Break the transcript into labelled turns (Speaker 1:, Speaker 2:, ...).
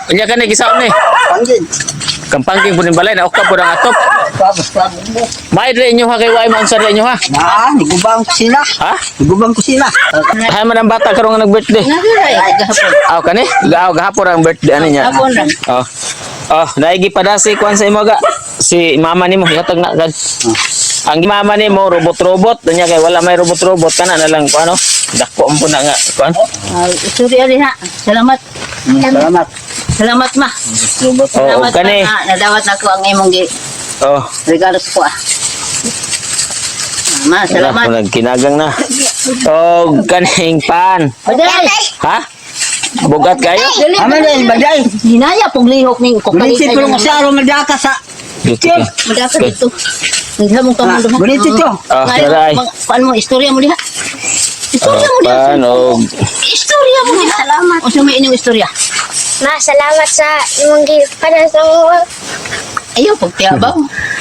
Speaker 1: Unya ka ni gisaon ni.
Speaker 2: Panggil.
Speaker 1: Kampangking punin balay na okta po ng atop.
Speaker 2: Tapos mo.
Speaker 1: May dre inyo ha kay way mo unsa dre inyo ha?
Speaker 2: Nigubang ko sila.
Speaker 1: Ha?
Speaker 2: Nigubang ko sila.
Speaker 1: Hay man ang bata karon nga nag-birthday.
Speaker 2: Ay, gahapon.
Speaker 1: Aw kani? Gahapon ang birthday ani niya.
Speaker 2: Gahapon lang.
Speaker 1: Oh. Oh, naigi pa si kuan sa imo ga. Si mama nimo yatag na gad. Ang mama nimo robot-robot nya kay wala may robot-robot kana na lang kuan ano. Dako mo na nga kuan.
Speaker 2: Sorry ali ha. Salamat. Salamat. Salamat ma.
Speaker 1: Oh,
Speaker 2: Salamat
Speaker 1: kani.
Speaker 2: ma. Nadawat ako ang imong
Speaker 1: Oh.
Speaker 2: regalo ko ah. Ma, salamat.
Speaker 1: Wala, kinagang na. Oh, kaning pan.
Speaker 2: Baday.
Speaker 1: Ha? Bugat kayo?
Speaker 2: Aman din, baday. Hinaya pong lihok ning kokali. Bulisit ko ng asaro madaka sa. Madaka dito. Hindi mo ka mo. Bulisit ko.
Speaker 1: Ah, saray.
Speaker 2: Kuan mo istorya mo diha. Istorya mo diha.
Speaker 1: Paano?
Speaker 2: Istorya mo diha. Salamat. O sa may inyong istorya.
Speaker 3: Ma, salamat sa imong gipanan sa mga
Speaker 2: Ayaw pagtiabaw.